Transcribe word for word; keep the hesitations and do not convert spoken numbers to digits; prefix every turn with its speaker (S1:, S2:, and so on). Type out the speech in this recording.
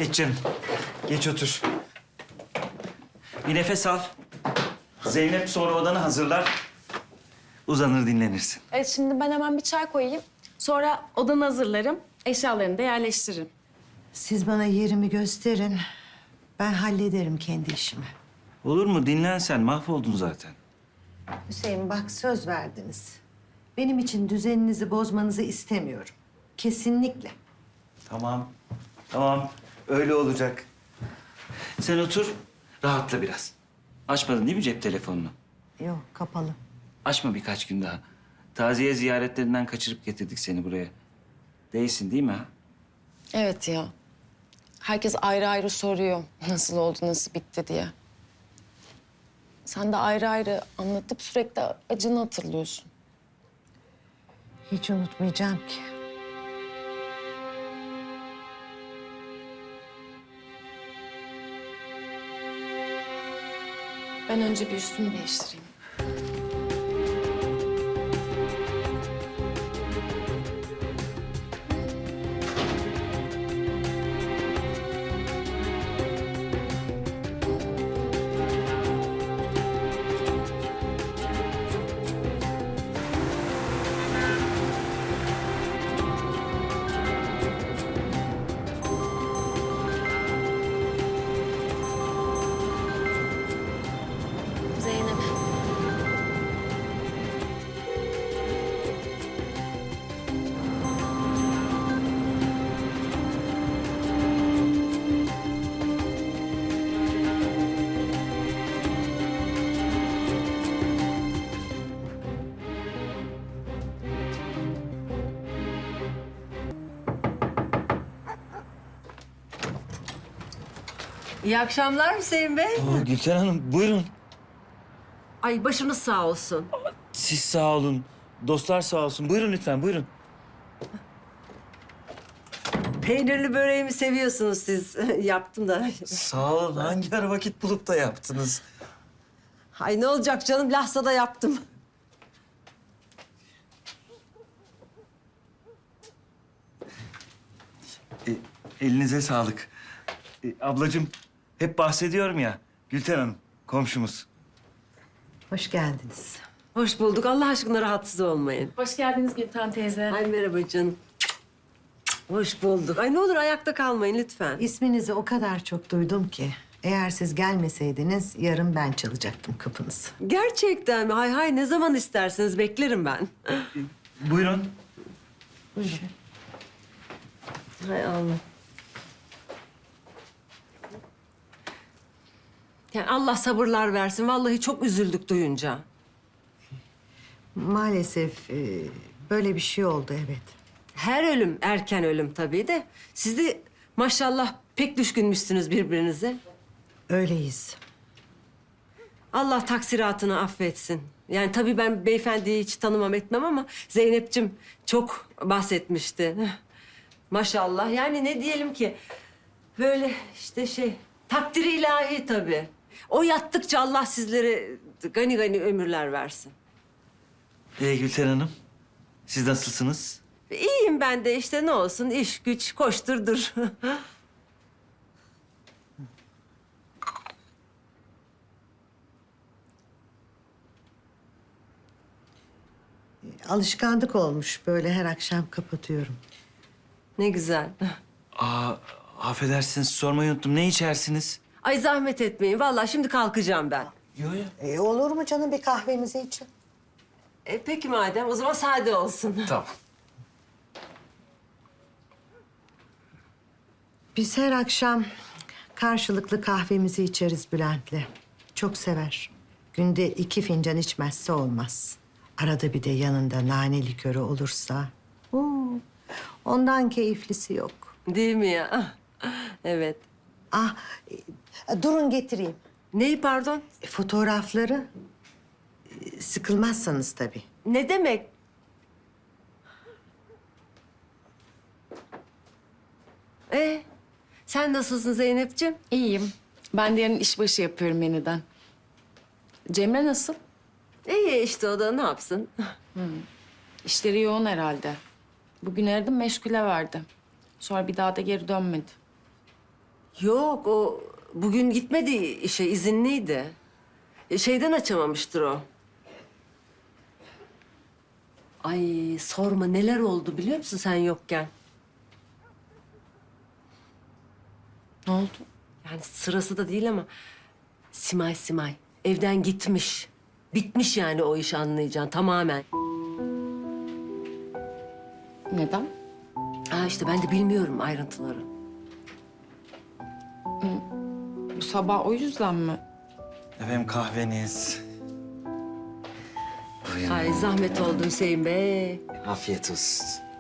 S1: Geç canım. Geç otur. Bir nefes al. Zeynep sonra odanı hazırlar. Uzanır dinlenirsin.
S2: Evet, şimdi ben hemen bir çay koyayım. Sonra odanı hazırlarım, eşyalarını da yerleştiririm.
S3: Siz bana yerimi gösterin. Ben hallederim kendi işimi.
S1: Olur mu? Dinlen sen. Mahvoldun zaten.
S3: Hüseyin bak söz verdiniz. Benim için düzeninizi bozmanızı istemiyorum. Kesinlikle.
S1: Tamam. Tamam. Öyle olacak. Sen otur. Rahatla biraz. Açmadın değil mi cep telefonunu?
S3: Yok kapalı.
S1: Açma birkaç gün daha. Taziye ziyaretlerinden kaçırıp getirdik seni buraya. Değilsin değil mi ha?
S2: Evet ya. Herkes ayrı ayrı soruyor nasıl oldu, nasıl bitti diye. Sen de ayrı ayrı anlatıp sürekli acını hatırlıyorsun.
S3: Hiç unutmayacağım ki.
S2: Ben önce bir üstümü değiştireyim. Zeynep.
S4: İyi akşamlar Hüseyin Bey.
S1: Oo, Gülten Hanım buyurun.
S4: Ay başınız sağ olsun.
S1: Siz sağ olun. Dostlar sağ olsun. Buyurun lütfen buyurun.
S4: Peynirli böreğimi seviyorsunuz siz. Yaptım da.
S1: Sağ olun. Hangi ara vakit bulup da yaptınız?
S4: Ay ne olacak canım, lahsa da yaptım.
S1: E, elinize sağlık. E, ablacığım hep bahsediyorum ya. Gülten Hanım komşumuz.
S3: Hoş geldiniz.
S4: Hoş bulduk. Allah aşkına rahatsız olmayın.
S2: Hoş geldiniz Gülten teyze.
S4: Ay merhaba canım. Hoş bulduk. Ay ne olur ayakta kalmayın lütfen.
S3: İsminizi o kadar çok duydum ki. Eğer siz gelmeseydiniz yarın ben çalacaktım kapınızı.
S4: Gerçekten mi? Hay hay ne zaman isterseniz beklerim ben.
S1: Buyurun.
S3: Buyurun.
S4: Hay Allah. Yani Allah sabırlar versin. Vallahi çok üzüldük duyunca.
S3: Maalesef e, böyle bir şey oldu evet.
S4: Her ölüm erken ölüm tabii de. Siz de maşallah pek düşkünmüşsünüz birbirinize.
S3: Öyleyiz.
S4: Allah taksiratını affetsin. Yani tabii ben beyefendiyi hiç tanımam etmem ama Zeynep'cim çok bahsetmişti. Maşallah yani ne diyelim ki böyle işte şey takdiri ilahi tabii. O yattıkça Allah sizlere gani gani ömürler versin.
S1: Ee, Gülten Hanım siz nasılsınız?
S4: İyiyim ben de işte ne olsun iş güç koştur dur.
S3: Alışkanlık olmuş böyle her akşam kapatıyorum.
S4: Ne güzel.
S1: Aa, affedersiniz sormayı unuttum. Ne içersiniz?
S4: Ay zahmet etmeyin. Vallahi şimdi kalkacağım ben.
S1: Yok ya.
S3: E, olur mu canım bir kahvemizi için?
S4: E, peki madem o zaman sade olsun.
S1: Tamam.
S3: Biz her akşam karşılıklı kahvemizi içeriz Bülent'le. Çok sever. Günde iki fincan içmezse olmaz. Arada bir de yanında nane likörü olursa. Oo, ondan keyiflisi yok.
S4: Değil mi ya? Evet.
S3: Ah, e, durun getireyim.
S4: Neyi pardon?
S3: E, fotoğrafları e, sıkılmazsanız tabii.
S4: Ne demek? Ee, sen nasılsın Zeynep'ciğim?
S2: İyiyim. Ben de yarın işbaşı yapıyorum yeniden. Cemre nasıl?
S4: İyi işte o da ne yapsın?
S2: İşleri yoğun herhalde. Bugün aradım meşgule verdi. Sonra bir daha da geri dönmedi.
S4: Yok o bugün gitmedi işe izinliydi. E, Şeyden açamamıştır o. Ay sorma neler oldu biliyor musun sen yokken?
S2: Ne oldu?
S4: Yani sırası da değil ama Simay Simay evden gitmiş. Bitmiş yani o iş anlayacaksın tamamen.
S2: Neden?
S4: Ha işte ben de bilmiyorum ayrıntıları.
S2: Bu sabah o yüzden mi?
S1: Efendim kahveniz. Buyurun.
S4: Ay zahmet oldu Hüseyin Bey.
S1: Afiyet olsun.